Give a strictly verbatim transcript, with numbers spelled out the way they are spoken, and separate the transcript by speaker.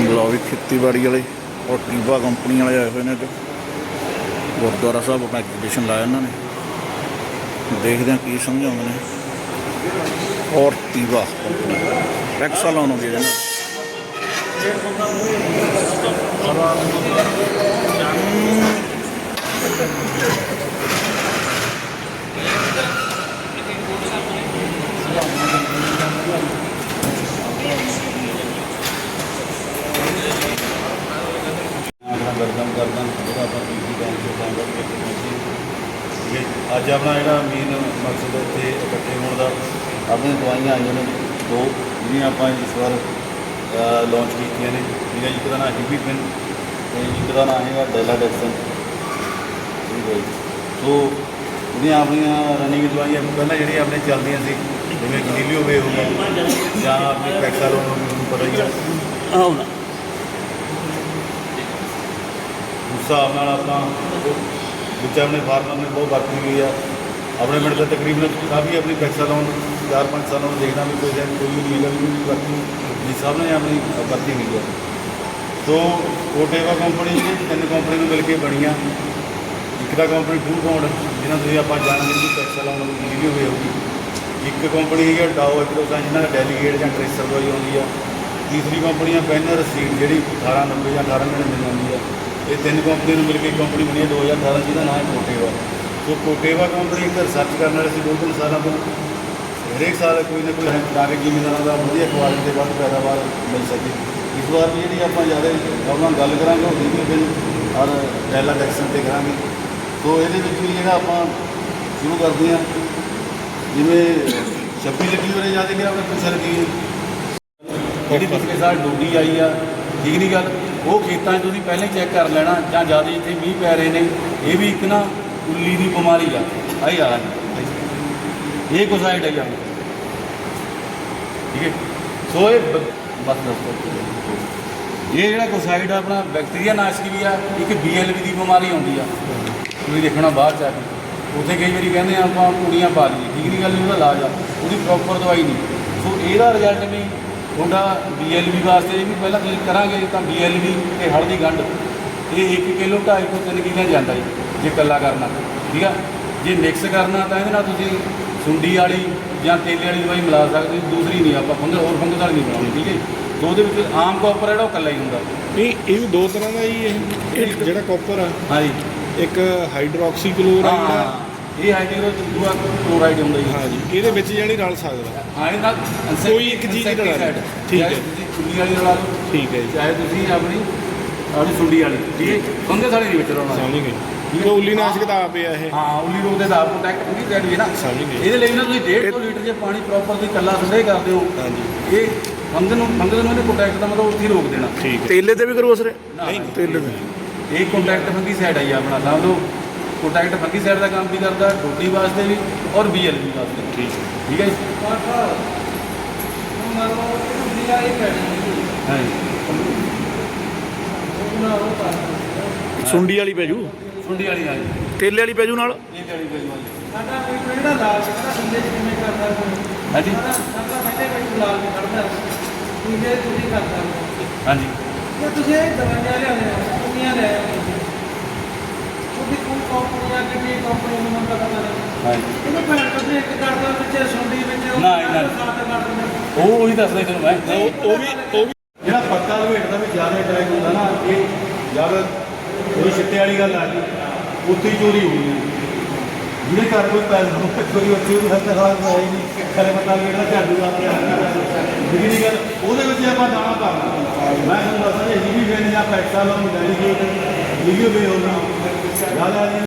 Speaker 1: ਲਓ ਵੀ ਖੇਤੀਬਾੜੀ ਵਾਲੇ और टीवा कंपनी वाले आए हुए हैं जो गुरुद्वारा साहब अपना एग्जीबिशन लाया इन्होंने देखते हैं की समझाते हैं। और टीवा टैक्स लाउन हो गया
Speaker 2: गर्दन गर्दन अज अपना जो मेन मकसद इतने इकट्ठे होने का अपनी दवाइयाँ आई ने दो जी आप इस बार लॉन्च की ने ठीक है। एक का नाम हिबी पिन तो एक का नाम है डेलाडेक्सन ठीक है। सो जो अपन रनिंग दवाइयाँ पहले जी अपने चलदियाँ सी जिमें गलीलियो वे हो गया या अपनी पैक्सालोन पता ही है उस हिसाब न अपना बच्चे अपने फार्मर ने बहुत वरती हुई है अपने मिनट का तकरीबन काफ़ी अपनी पैक्सालोन चार पाँच सालों में देखना भी कोई कोई भी नहीं है भी वरती जिस हिसाब ने अपनी वरती हुई है। तो कोटेवा कंपनी तीन कंपनी में मिल के बनी एक तो कंपनी टू पॉइंट जिन्होंने तुम आप जानेंगे कि पैक्सालोन वीडियो भी होगी। एक कंपनी है डाओ एग्रोसा जिन्होंने डेलीगेट या ट्रेसर दवाई आती है। तीसरी कंपनी है पैनर सीड जी अठारह नब्बे या अठारह नड़िनवे आती है। ये तीन कंपनी मिल के कंपनी बनी है दो हज़ार अठारह जिसका नाम है कोटेवा। तो कोटेवा कंपनी एक रिसर्च करने वाले दो तीन सालों को हरेक साल कोई ना कोई ताकि जिमीदारों का वधिया क्वालिटी के बाद पैदावार मिल सके। इस बार भी जी आप ज़्यादा अपना गल करा हिबी पिन और डेलाडेक्सन से करा। तो ये भी जो आप शुरू करते हैं जिमें छब्बी लगी वाले ज़्यादा कि अपने पिछले लगी जी पिछले साल डोडी आई आ ठीक नहीं गल वो खेतों तुम पहले चैक कर लेना या ज़्यादा इतने मीह पै रहे हैं ये भी एक ना उल्ली की बीमारी आ आई आ ये कोसाइड आई आ ठीक है। सो ये बस ये जो कोसाइड अपना बैक्टीरिया नाशक भी आ एक बी एल वी की बीमारी आती है तुम देखना बाद जाके उत्थे कई बार कहते हैं आप कुड़ियाँ पा लीए ठीक नहीं गल वो इलाज आ वो प्रॉपर दवाई नहीं। सो यदा रिजल्ट भी थोड़ा बी एल वी वास्ते भी पहला तुम करा तो बी एल वी तो हल्दी गंढ ये एक किलो ढाई तो तीन किलो जाता है जे कला करना ठीक है। जे मिक्स करना तो ये सुंडी वाली या तेले वाली दवाई मिला सकते दूसरी नहीं आप फंगस होर फंगस वाली नहीं बनानी ठीक है। तो वो आम कॉपर है कला ही होंगे
Speaker 3: नहीं ये भी दो तरह का ही है जो कॉपर है
Speaker 2: हाँ जी
Speaker 3: एक हाइड्रोक्सी क्लोराइड है
Speaker 2: ये हाइड्रो क्लोराइड होंगे
Speaker 3: हाँ जी ये जानी रल सकता
Speaker 2: हाँ ये
Speaker 3: कोई एक चीज़ ठीक है
Speaker 2: सुंडी वाली रला लो
Speaker 3: ठीक है
Speaker 2: चाहे तुम अपनी अपनी सुंडी वाली ठीक है फंगस वाली नहीं बच रहा
Speaker 3: समझ गए तो उल्ली नाशक का आप है
Speaker 2: हाँ उल्ली रोग के आप प्रोटेक्ट पूरी साइड भी ना
Speaker 3: समझ गए
Speaker 2: ये ना तुम डेढ़ सौ लीटर जो पानी प्रॉपर तुम कला स्प्रे करते हो
Speaker 3: हाँ जी
Speaker 2: ये फंगस फंगस में प्रोटेक्ट का मतलब उत्थे रोक देना
Speaker 3: ठीक है
Speaker 1: तेले ते भी करो असर
Speaker 2: नहीं
Speaker 1: तेले
Speaker 2: एक कॉन्टैक्ट फंगी साइड आई अपना समझ लो कॉन्टैक्ट फंगी साइड का काम भी करता है रोटी वास्ते भी और बी एल बी वास्ते
Speaker 3: ठीक है
Speaker 2: ठीक है
Speaker 1: सुंडी वाली पैजू
Speaker 2: सुंडी वाली हाँ जी
Speaker 1: तेले वाली पैजू नाल
Speaker 2: तेले वाली पैजू वाली
Speaker 4: ਸਾਡਾ ਕੋਈ ਜਿਹੜਾ ਲਾਲ ਜਿਹੜਾ ਸੰਦੇ ਚ ਕਿਵੇਂ ਕਰਦਾ
Speaker 2: हाँ जी
Speaker 4: ਸਾਡਾ ਬੈਠੇ ਕੋਈ ਲਾਲ ਵੀ ਕੱਢਦਾ ਠੀਕ ਹੈ ਤੁਸੀਂ ਕਰਦਾ
Speaker 2: हाँ जी
Speaker 4: ਜੇ ਤੁਸੀਂ ਇਹ ਦਵਾਈਆਂ ਲਿਆਉਂਦੇ ਹੋ ਕੁੜੀਆਂ ਲੈ ਆਉਂਦੇ ਉਹਦੀ ਕੋਈ ਕੰਪਨੀਆਂ ਕਿੰਨੀ ਕੰਪਨੀ ਨੂੰ ਮੈਨੂੰ ਪਤਾ ਨਹੀਂ
Speaker 2: हाँ जी
Speaker 4: ਇਹਨੂੰ ਭੈਣ ਕੱਢੇ ਇੱਕ ਕਰਦਾ ਵਿੱਚ ਸੁੰਡੀ ਵਿੱਚ
Speaker 2: ਨਾ, ਨਾ।
Speaker 4: ਸਾਥ ਕਰ ਦਿੰਦੇ
Speaker 2: ਉਹ ਉਹੀ ਦੱਸਦਾ ਤੈਨੂੰ ਮੈਂ
Speaker 3: ਉਹ ਉਹ ਵੀ ਉਹ ਵੀ
Speaker 2: ਜਿਹੜਾ ਪੱਤਾ ਲਵੇਟਦਾ ਵੀ ਜ਼ਿਆਦਾ ਅਟੈਕ ਹੁੰਦਾ ਨਾ ਇਹ ਜਦ ਕੋਈ ਛਿੱਟੇ ਵਾਲੀ ਗੱਲ ਆ ਗਈ ਉੱਥੇ ਹੀ ਚੋਰੀ ਹੋਣੀ ਹੈ ਜਿਹਦੇ ਘਰ ਕੋਈ ਪੈਸਾ ਹੋਵੇ ਕੋਈ ਉੱਥੇ ਵੀ ਹੱਥ ਹਾਲ ਹੈ ਹੀ ਨਹੀਂ ਖਰੇ ਪੱਤਾ ਲਵੇਟਦਾ ਝਾੜੂ ਲਾ ਕੇ ਜਿਹੜੀ ਨਹੀਂ ਗੱਲ ਉਹਦੇ ਵਿੱਚ ਆਪਾਂ ਦਾਣਾ ਕਰਨਾ ਮੈਂ ਤੁਹਾਨੂੰ ਦੱਸਦਾ ਜੀ ਵੀ ਫੇਰ ਜਾਂ ਪੈਸਾ ਲਾਉਂ ਡੈਲੀਗੇਟ ਵੀਡੀਓ ਵੀ ਹੋਣਾ ਜ਼ਿਆਦਾ